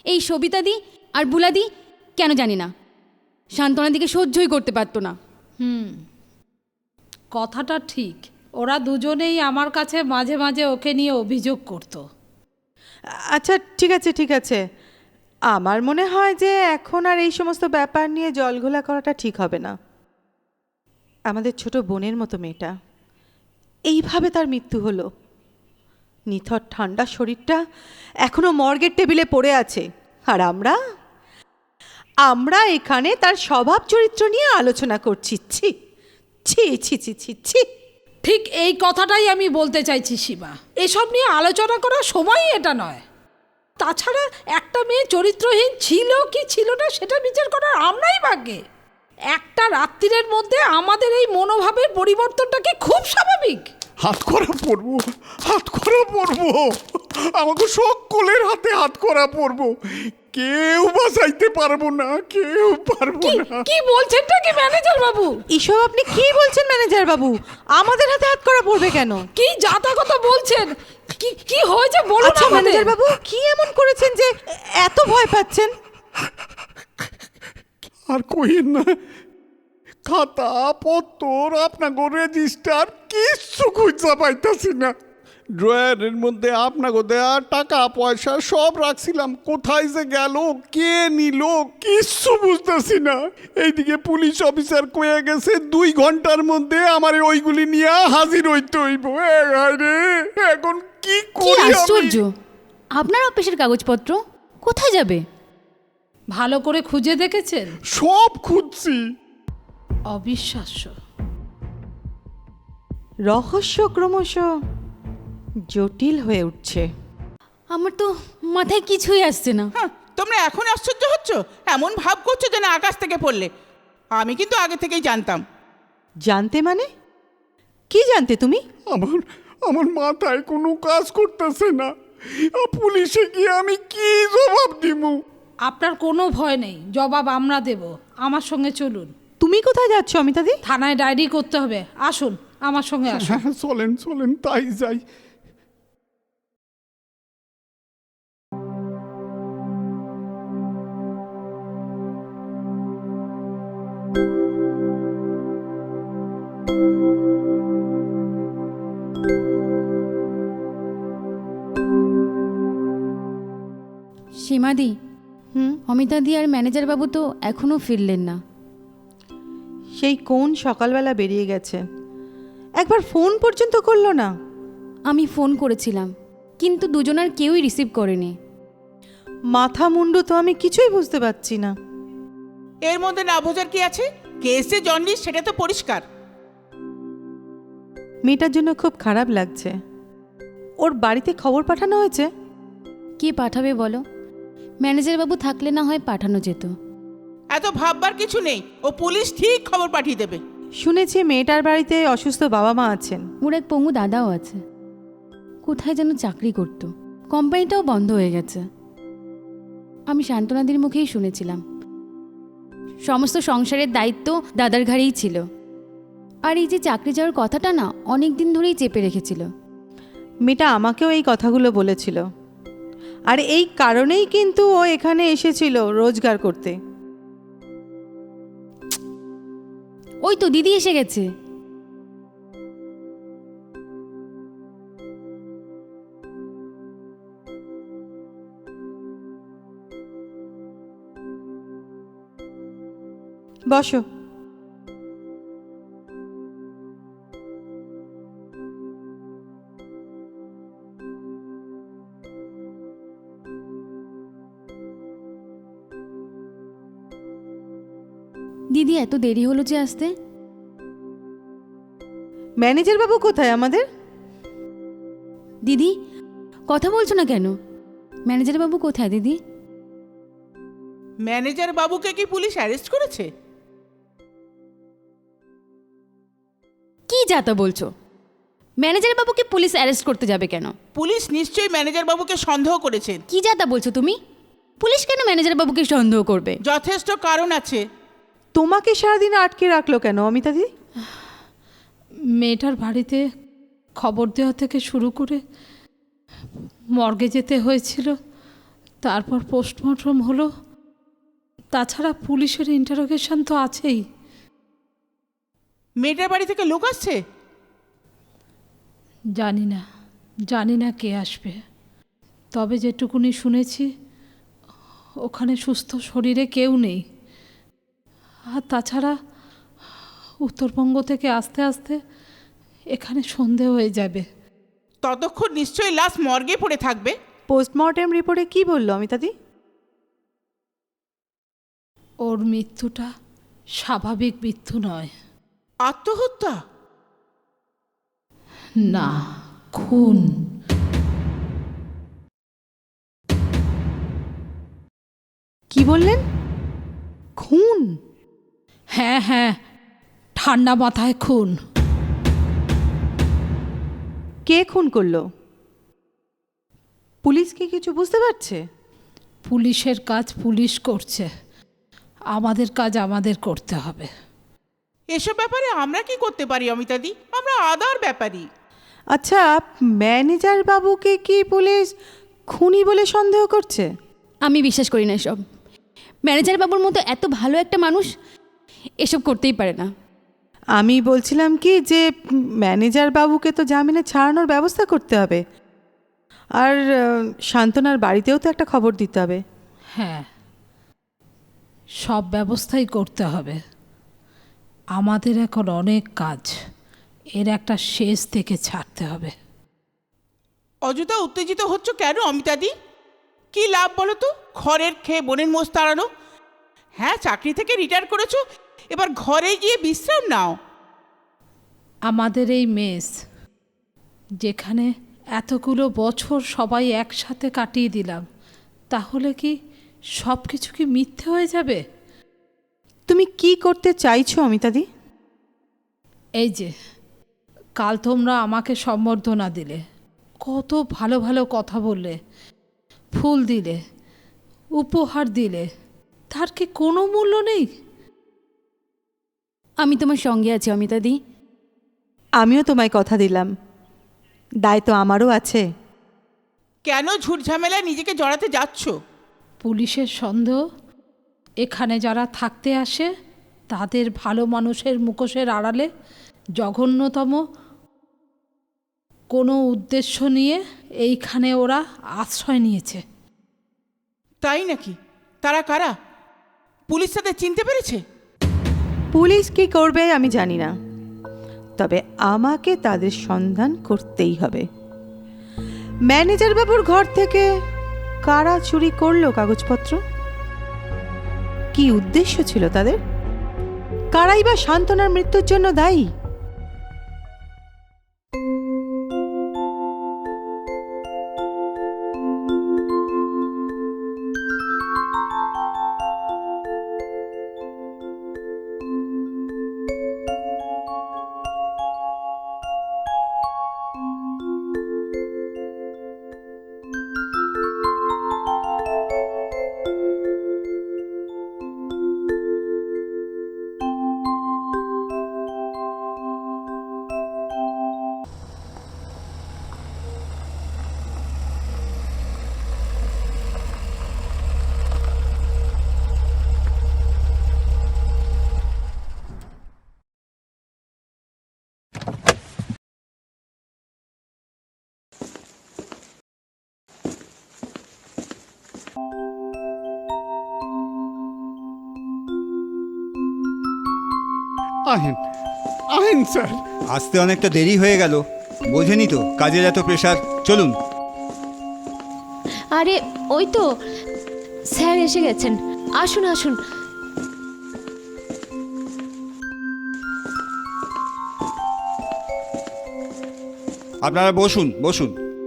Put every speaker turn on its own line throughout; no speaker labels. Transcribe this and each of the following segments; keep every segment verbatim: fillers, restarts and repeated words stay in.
এই সবিতাদি আর বুলাদি কেন জানি না শান্তনাদিকে সহ্যই করতে পারতো না।
হুম, কথাটা ঠিক। ওরা দুজনেই আমার কাছে মাঝে মাঝে ওকে নিয়ে অভিযোগ করতো।
আচ্ছা ঠিক আছে ঠিক আছে, আমার মনে হয় যে এখন আর এই সমস্ত ব্যাপার নিয়ে জলঘোলা করাটা ঠিক হবে না। আমাদের ছোট বোনের মতো মেয়েটা, এইভাবে তার মৃত্যু হলো। নিথর ঠান্ডা শরীরটা এখনো মর্গের টেবিলে পড়ে আছে, আর আমরা আমরা এখানে তার স্বভাব চরিত্র নিয়ে আলোচনা করছি। ছি ছি ছি ছি ছি ছি।
ঠিক এই কথাটাই আমি বলতে চাইছি শিবা, এসব নিয়ে আলোচনা করার সময়ই এটা নয়। তাছাড়া একটা মেয়ে চরিত্রহীন ছিল কি ছিল না সেটা বিচার করার আমরাই ভাগ্যে। একটা রাত্রির মধ্যে আমাদের এই মনোভাবের পরিবর্তনটা কি খুব স্বাভাবিক?
হাত করা পড়বো, হাত করা পড়বো, আমাকে সকলের হাতে হাত করা পড়বো। কেউ বাঁচাইতে পারবো না, কেউ পারবো
কি
না।
কি বলছেনটা কি ম্যানেজার বাবু?
এসব আপনি কি বলছেন ম্যানেজার বাবু? আমাদের হাতে হাত করা পড়বে কেন?
কি যাতা কথা বলছেন? কি কি হয়েছে বলুন
আচ্ছা
আমাদের।
ম্যানেজার বাবু, কি এমন করেছেন যে এত ভয় পাচ্ছেন?
আর কইেন না, খাতা পত্তর আপনাকে রেজিস্টার কিচ্ছু খুঁজা পাইতাছি না। ড্রয়ারের মধ্যে আপনাকে দেয়া টাকা পয়সা সব রাখছিলাম, কোথায় যে গেল, কে নিল, কিচ্ছু বুঝতেছি না। এইদিকে পুলিশ অফিসার কয়ে গেছে দুই ঘন্টার মধ্যে আমার ওইগুলি নিয়ে হাজির হইতে হইব। এ হায় রে, এখন কি
কি
করি
আশ্চর্য!
আমি?
আপনার অফিসের কাগজপত্র কোথায় যাবে?
ভালো করে খুঁজে দেখেছেন?
সব খুঁজছি।
অবিশ্বাস্য।
রহস্য ক্রমশ জটিল হয়ে উঠছে।
আমার তো মাথায় কিছুই আসছে না।
হ্যাঁ, তোমরা এখন আশ্চর্য হচ্ছ, এমন ভাব করছো যেন আকাশ থেকে পড়লে। আমি কিন্তু আগে থেকেই জানতাম।
জানতে মানে কি জানতে তুমি?
আমার আমার মাথায় কোনো কাজ করতেছে না। আ, পুলিশে গিয়ে আমি কি জবাব দিব?
আপনার কোনো ভয় নেই, জবাব আমরা দেব। আমার সঙ্গে চলুন।
তুমি কোথায় যাচ্ছ অমিতাদি?
থানায় ডায়েরি করতে হবে, আসুন আমার সঙ্গে আসুন।
হ্যাঁ, চলেন চলেন তাই যাই।
সীমাদি,
হুম,
অমিতাদি আর ম্যানেজার বাবু তো এখনো ফিরলেন না।
সেই কোন সকালবেলা বেরিয়ে গেছে, একবার ফোন পর্যন্ত করলো না।
আমি ফোন করেছিলাম কিন্তু দুজনার কেউই রিসিভ করেনি।
মাথা মুন্ডু তো আমি কিছুই বুঝতে পারছি না।
এর মধ্যে না বোঝার কি আছে? কেস যে জন্ডিস সেটা তো পরিষ্কার।
মেয়েটার জন্য খুব খারাপ লাগছে। ওর বাড়িতে খবর পাঠানো হয়েছে?
কে পাঠাবে বলো? ম্যানেজার বাবু থাকলে না হয় পাঠানো যেত।
এত ভাববার কিছু নেই, ও পুলিশ ঠিক খবর পাঠিয়ে দেবে।
শুনেছি মেয়েটার বাড়িতে অসুস্থ বাবা মা আছেন।
ওর এক পঙ্গু দাদাও আছে, কোথায় যেন চাকরি করতো, কোম্পানিটাও বন্ধ হয়ে গেছে। আমি শান্তনাদির মুখেই শুনেছিলাম সমস্ত সংসারের দায়িত্ব দাদার ঘাড়েই ছিল। আর এই যে চাকরি যাওয়ার কথাটা না অনেক দিন ধরেই চেপে রেখেছিল।
মেয়েটা আমাকেও এই কথাগুলো বলেছিল, আর এই কারণেই কিন্তু ও এখানে এসেছিল রোজগার করতে।
ওই তো দিদি এসে গেছে।
বসো।
দিদি এত দেরি হলো যে আসতে?
ম্যানেজার বাবু কোথায় আমাদের?
দিদি কথা বলছো না কেন? ম্যানেজার বাবু কোথায় দিদি?
ম্যানেজার বাবুকে কি পুলিশ অ্যারেস্ট করেছে?
কি যাতা বলছো? ম্যানেজার বাবুকে পুলিশ অ্যারেস্ট করতে যাবে কেন?
পুলিশ নিশ্চয়ই ম্যানেজার বাবুকে সন্দেহ করেছে।
কি যাতা বলছো তুমি? পুলিশ কেন ম্যানেজার বাবুকে সন্দেহ করবে?
যথেষ্ট কারণ আছে।
তোমাকে সারাদিন আটকে রাখলো কেন অমিতাদি?
মেয়েটার বাড়িতে খবর দেওয়া থেকে শুরু করে মর্গে যেতে হয়েছিল, তারপর পোস্টমর্টম হলো। তাছাড়া পুলিশের ইন্টারোগেশন তো আছেই।
মেয়েটার বাড়ি থেকে লোক আসছে?
জানি না, জানি না কে আসবে। তবে যেটুকুনি শুনেছি, ওখানে সুস্থ শরীরে কেউ নেই। আর তাছাড়া উত্তরবঙ্গ থেকে আস্তে আস্তে এখানে সন্ধে হয়ে যাবে।
ততক্ষণ নিশ্চয়ই লাশ মর্গে পড়ে থাকবে।
পোস্টমর্টেম রিপোর্টে কি বললো অমিতাদি?
ওর মৃত্যুটা স্বাভাবিক মৃত্যু নয়।
আত্মহত্যা?
না, খুন।
কি বললেন? খুন?
হ্যাঁ হ্যাঁ, ঠান্ডা মাথায় খুন।
কে খুন করলো? পুলিশ কি কিছু বুঝতে পারছে?
পুলিশের কাজ পুলিশ করছে, আমাদের কাজ আমাদের করতে হবে।
এসব ব্যাপারে আমরা কি করতে পারি অমিতাদি? আমরা আদার ব্যাপারী।
আচ্ছা, ম্যানেজার বাবুকে কি পুলিশ খুনি বলে সন্দেহ করছে?
আমি বিশ্বাস করি না এসব। ম্যানেজার বাবুর মতো এত ভালো একটা মানুষ এসব করতেই পারে না।
আমি বলছিলাম কি যে ম্যানেজার বাবুকে তো জামিনে ছাড়ানোর ব্যবস্থা করতে হবে, আর আহ, শান্তনার বাড়িতেও তো একটা খবর দিতে হবে।
হ্যাঁ, সব ব্যবস্থাই করতে হবে। আমাদের এখন অনেক কাজ, এর একটা শেষ থেকে ছাড়তে হবে।
অযথা উত্তেজিত হচ্ছ কেন অমিতাদি? কি লাভ বলো তো ঘরের খেয়ে বোনের মোষ তাড়ানো? হ্যাঁ, চাকরি থেকে রিটায়ার করেছো, এবার ঘরে গিয়ে বিশ্রাম নাও।
আমাদের এই মেস, যেখানে এতগুলো বছর সবাই একসাথে কাটিয়ে দিলাম, তাহলে কি সব কিছু কি মিথ্যে হয়ে যাবে?
তুমি কি করতে চাইছো অমিতাদি?
এই যে কাল তোমরা আমাকে সম্বর্ধনা দিলে, কত ভালো ভালো কথা বললে, ফুল দিলে, উপহার দিলে, তার কি কোনো মূল্য নেই?
আমি তোমার সঙ্গে আছি অমিতাদি।
আমিও তোমায় কথা দিলাম, দায় তো আমারও আছে।
কেন ঝুট ঝামেলায় নিজেকে জড়াতে যাচ্ছ?
পুলিশের সন্দেহ, এখানে যারা থাকতে আসে তাদের ভালো মানুষের মুখোশের আড়ালে জঘন্যতম কোনো উদ্দেশ্য নিয়ে এইখানে ওরা আশ্রয় নিয়েছে।
তাই নাকি? তারা কারা? পুলিশ তাদের চিনতে পেরেছে?
পুলিশ কি করবে আমি জানি না, তবে আমাকে তাদের সন্ধান করতেই হবে। ম্যানেজার বাবুর ঘর থেকে কারা চুরি করলো কাগজপত্র? কি উদ্দেশ্য ছিল তাদের? কারাই বা শান্তনার মৃত্যুর জন্য দায়ী?
আহেন আহেন স্যার।
আসতে অনেকটা দেরি হয়ে গেল, বোঝেনি তো কাজের এত প্রেশার। চলুন।
আরে ওই তো স্যার এসে গেছেন, আসুন আসুন।
আপনারা বসুন বসুন।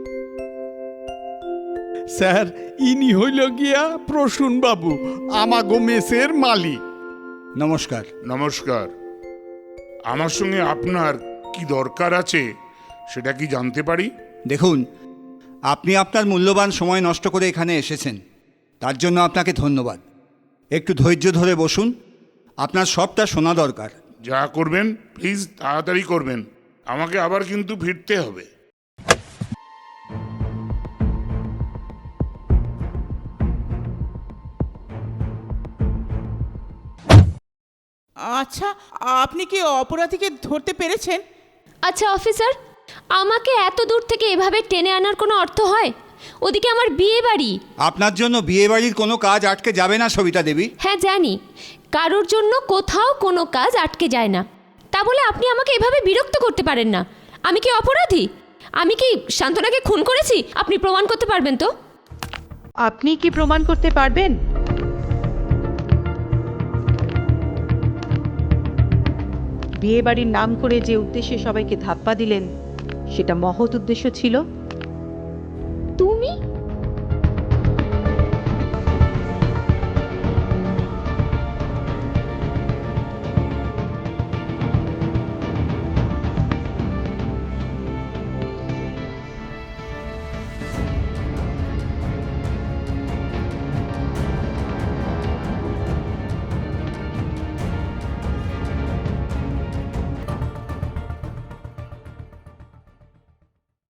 স্যার, ইনি হইল গিয়া প্রসূন বাবু, আমাগো মেসের মালিক।
নমস্কার।
নমস্কার। আমার সঙ্গে আপনার কি দরকার আছে সেটা কি জানতে পারি?
দেখুন, আপনি আপনার মূল্যবান সময় নষ্ট করে এখানে এসেছেন, তার জন্য আপনাকে ধন্যবাদ। একটু ধৈর্য ধরে বসুন, আপনার সবটা শোনা দরকার।
যা করবেন প্লিজ তাড়াতাড়ি করবেন, আমাকে আবার কিন্তু ফিরতে হবে।
আচ্ছা, আপনি কি অপরাধীকে ধরতে পেরেছেন?
আচ্ছা অফিসার, আমাকে এত দূর থেকে এভাবে টেনে আনার কোনো অর্থ হয়? ওদিকে আমার বিয়ে বাড়ি।
আপনার জন্য বিয়েবাড়ির কোনো কাজ আটকে যাবে না সবিতা দেবী।
হ্যাঁ জানি, কারোর জন্য কোথাও কোনো কাজ আটকে যায় না। তা বলে আপনি আমাকে এভাবে বিরক্ত করতে পারেন না। আমি কি অপরাধী? আমি কি শান্তনাকে খুন করেছি? আপনি প্রমাণ করতে পারবেন তো?
আপনি কি প্রমাণ করতে পারবেন? বিয়ে বাড়ির নাম করে যে উদ্দেশ্যে সবাইকে ধাপ্পা দিলেন, সেটা মহৎ উদ্দেশ্য ছিল।
তুমি